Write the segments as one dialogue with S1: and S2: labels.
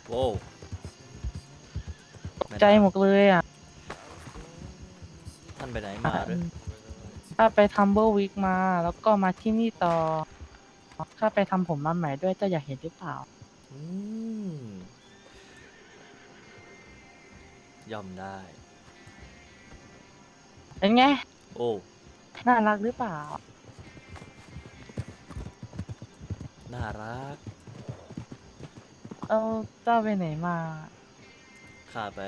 S1: โว้ว
S2: ใจหมดเลยอ่ะ
S1: ท่านไปไหนมาหรือ
S2: ข้าไปทำเบอร์วิกมาแล้วก็มาที่นี่ต่อข้าไปทำผมมาใหม่ด้วยเจ้าอยากเห็นหรือเปล่า
S1: อืมย่อมได้
S2: เป็นไง
S1: โอ้
S2: น่ารักหรือเปล่า
S1: น่ารัก
S2: เออเจ้าไปไหนมา
S1: ข้าไป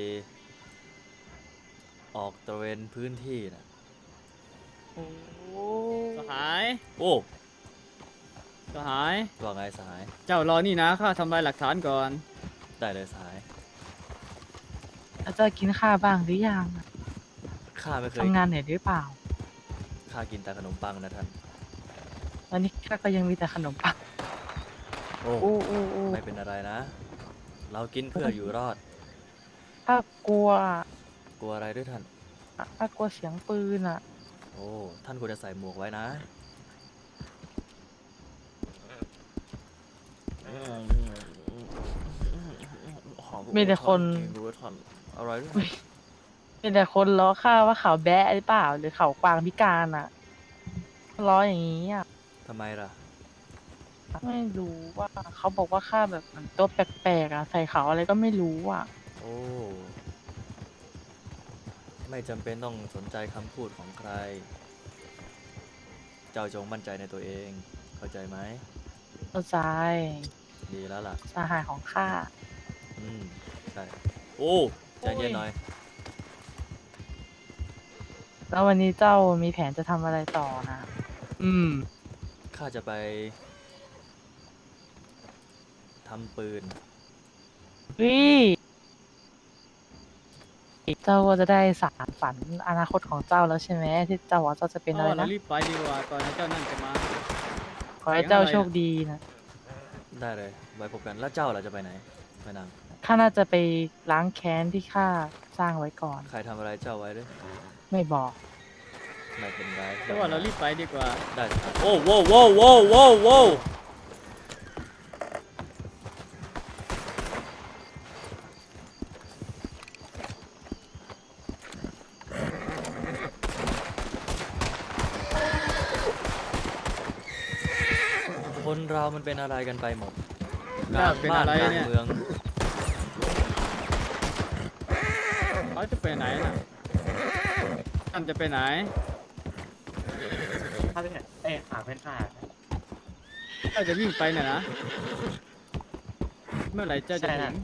S1: ออกตระเวนพื้นที่นะ
S2: โอ้
S3: สหาย
S1: โอ้
S3: สหาย
S1: ว่าไงสหาย
S3: เจ้ารอนี่นะข้าทำลายหลักฐานก่อน
S1: ได้เลยสหาย
S2: แล้วเจ้ากินข้าวบ้างหรือยัง
S1: ข้าไม่เคย
S2: ทำงานเหนื่อยหรือเปล่า
S1: ข้ากินแต่ขนมปังนะท่าน
S2: ตอนนี้ข้าก็ยังมีแต่ขนมปัง
S1: โอ้
S2: อู้
S1: ไม่เป็นอะไรนะ เรากินเพื่ออยู่รอด
S2: ข้ากลัว
S1: กลัวอะไรด้วยท่าน
S2: ข้ากลัวเสียงปืนอ่ะ
S1: โอ้ท่านควรจะใส่หมวกไว้นะ
S2: มีแต่คน
S1: รู้ท่านอะไรด้วย
S2: มีแต่คนล้อข้าว่าเขาแบะหรือเปล่าหรือเขากวางพิการอ่ะล้ออย่างนี้อ่ะ
S1: ทำไมล่ะ
S2: ไม่รู้ว่าเขาบอกว่าข้าแบบเหมือนตัวแปลกๆอ่ะใส่เขาอะไรก็ไม่รู้อ่ะ
S1: โอ้ ไม่จำเป็นต้องสนใจคำพูดของใคร เจ้าจงมั่นใจในตัวเอง เข้าใจไหม
S2: เข้าใจ
S1: ดีแล้วล่ะ
S2: สหายของข้า
S1: อืมใช่โอ้ใจเย็นหน่อย
S2: แล้ววันนี้เจ้ามีแผนจะทำอะไรต่อนะ
S1: ข้าจะไปทำปืน
S2: วิเจ้าก็จะได้สานฝันอนาคตของเจ้าแล้วใช่ไหมที่เจ้าว่าเจ้าจะเป็นอะไร
S3: เรา
S2: นะ
S3: รีบไปดีกว่าก่อนนะเจ้านั่นจะมา
S2: ขอให้เจ้าโชคดีนะ
S1: ได้เลย ไว้พบกัน แล้วเจ้าล่ะจะไปไหนแม่นาง
S2: ข้าน่าจะไปล้างแค้นที่ข้าสร้างไว้ก่อน
S1: ใครทำอะไรเจ้าไว้ด้วย
S2: ไม่บอก
S1: ไม่เป็นไร
S3: แต่ว่าเรารีบไปดีกว่า
S1: ได้ครับโอ้โว้โว้โว้โว้โว้คนเรามันเป็นอะไรกันไปหมด
S3: น่าเป็นอะไร
S1: การ
S3: เนี่ย
S1: เมือง
S3: เขาจะไปไหนนะท่านจะไปไหน
S4: ถ้าเป็นหาเป็นผ่า
S3: เจ้าจะวิ่งไปน่ะนะ เมื่อไหร่เจ้าจะถึง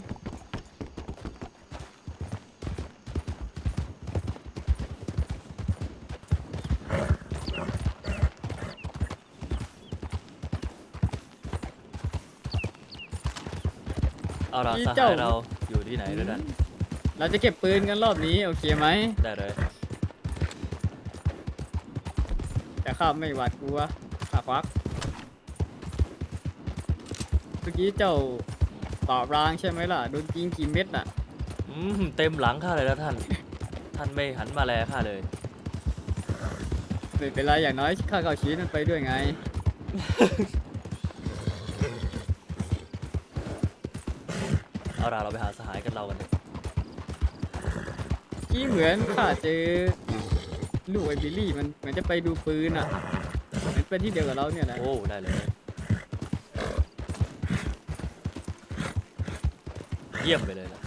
S1: เอาเรา
S3: นี่
S1: สหา
S3: เจ้า
S1: ยเราอยู่ที่ไหนด้วยกัน
S3: เราจะเก็บปืนกันรอบนี้โอเคไหม
S1: ได้เลย
S3: แต่ข้าไม่หวาดกลัวข้าควักเมื่อกี้เจ้าตอบรางใช่ไหมล่ะโดนยิงกี่เม็ดน่ะ
S1: เต็มหลังข้าเลยแล้วท่าน ท่านไม่หันมาแลข้าเลย
S3: ไม่เป็นไรอย่างน้อยข้าเข้าชีวิตมันไปด้วยไง
S1: เอาล่ะเราไปหาสหายกันเรากันเถอะ
S3: กี้เหมือนข้าเจอลูกไอ้บิลลี่มันเหมือนจะไปดูปืนอ่ะมันเป็นที่เดียวกับเราเนี่ยนะ
S1: โอ้ได้เลยเยี่ยมไปเลยล่ะ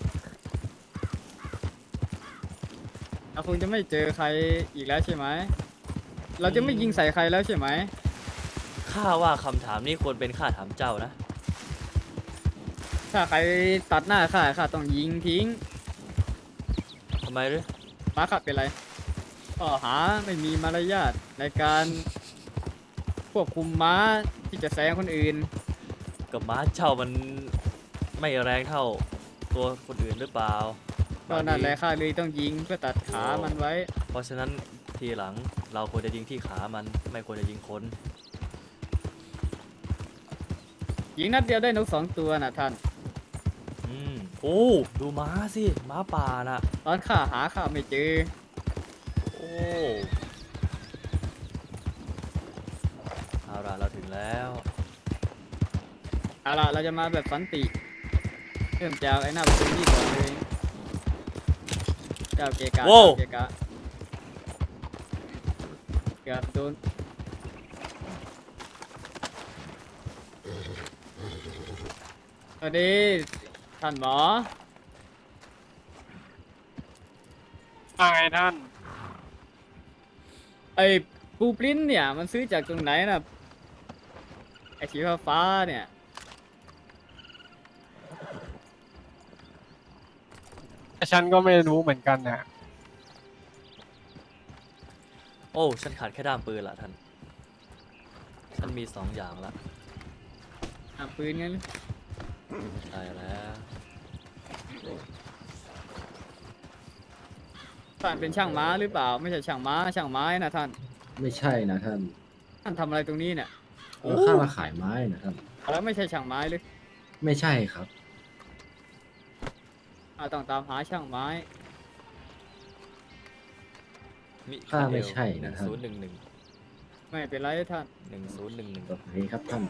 S3: เราคงจะไม่เจอใครอีกแล้วใช่ไหมเราจะไม่ยิงใส่ใครแล้วใช่ไหม
S1: ข้าว่าคำถามนี้ควรเป็นข้าถามเจ้านะ
S3: ถ้าใครตัดหน้าข้าต้องยิงทิ้ง
S1: ทำไมหรือ
S3: ม้าขับเป็นไรข้อหาไม่มีมารยาทในการควบคุมม้าที่จะแซงคนอื่น
S1: กับม้าเจ้ามันไม่แรงเท่าตัวคนอื่นหรือเปล่า
S3: ก็นั่นแหละข้าเลยต้องยิงเพื่อตัดขามันไว้
S1: เพราะฉะนั้นทีหลังเราควรจะยิงที่ขามันไม่ควรจะยิงคน
S3: ยิงนัดเดียวได้นก2 ตัวนะท่าน
S1: โอ้ดูม้าสิม้าป่าน่ะ
S3: ตอนข้าไม่เจอ
S1: โอ้เอาล่ะเราถึงแล้ว
S3: เอาล่ะเราจะมาแบบสันติเริ่มจากไอ้หน้าประตูนี่ก่อนเลยเจ้าเกกะ
S1: โว้ว
S3: เกกะเกือบโดนสวัสดีท่านหมอ
S5: ว่าไงท่าน
S3: ไอ้ปูปริ้นเนี่ยมันซื้อจากตรงไหนนะไอ้สีฟ้าๆเนี่ย
S5: ฉันก็ไม่รู้เหมือนกันนะ
S1: โอ้ฉันขาดแค่ด้ามปืนละท่านฉันมี2 อย่างละ
S3: ปืนงั้น
S1: ใช่แล้ว
S3: ท่านเป็นช่างม้าหรือเปล่าไม่ใช่ช่างม้าช่างไม้นะท่าน
S6: ไม่ใช่นะท่าน
S3: ท่านทำอะไรตรงนี้เนี่ย
S6: ข้ามาขายไม้นะท่าน
S3: แล้วไม่ใช่ช่างไม้หรือ
S6: ไม่ใช่ครับ
S3: ต้องตามหาช่างไม้
S1: มิ
S6: ข้าไม่ใช่นะท่าน
S1: 1011
S3: ไม่เป็นไรท่าน
S1: 1011
S6: โอเคครับท่าน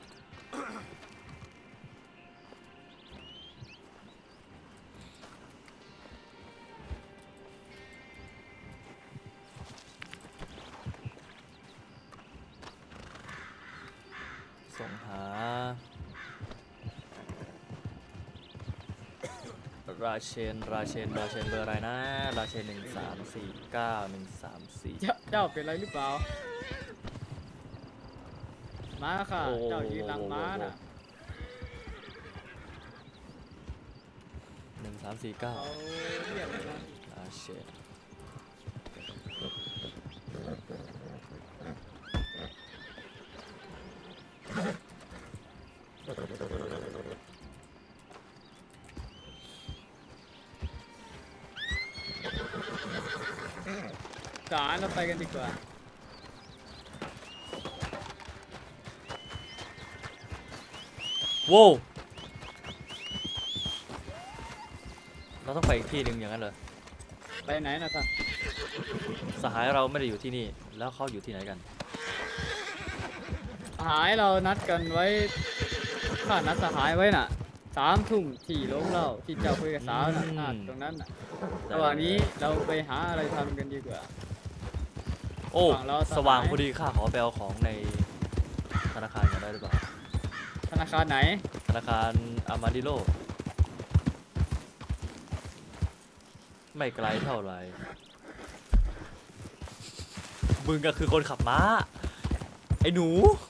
S1: ส่งหา ราเชนเบอร์อะไรนะ ราเชน1349
S3: เจ้าเป็นไรหรือเปล่าม้าค่ะ
S1: โอ้
S3: เจ้ายืนหลังม้าน่ะ
S1: 1349
S3: เขาเรียกอะไรนะ
S1: ราเชน
S3: สารเราไปกันดีกว่า
S1: โว้วเราต้องไปอีกที่หนึ่งอย่างนั้นเหรอ
S3: ไปไหนนะท่าน
S1: สหายเราไม่ได้อยู่ที่นี่ แล้วเขาอยู่ที่ไหนกัน
S3: สหายเรานัดกันไว้ข้านัดสหายไว้น่ะ3 ทุ่มที่โรงเหล้าที่เจ้าคุยกับสาวน่ะ
S1: อืม
S3: ตรงนั้นน่ะระหว่างนี้เราไปหาอะไรทำกันดีกว่า
S1: โอ้
S3: ฝั่งเราสหาย
S1: สว่างพอดีข้าขอไปเอาของในธนาคารกันได้หรือเปล่า
S3: ธนาคารไหน
S1: ธนาคารอามาดิโลไม่ไกลเท่าไหร่มึงก็คือคนขับม้า ไอ้หนู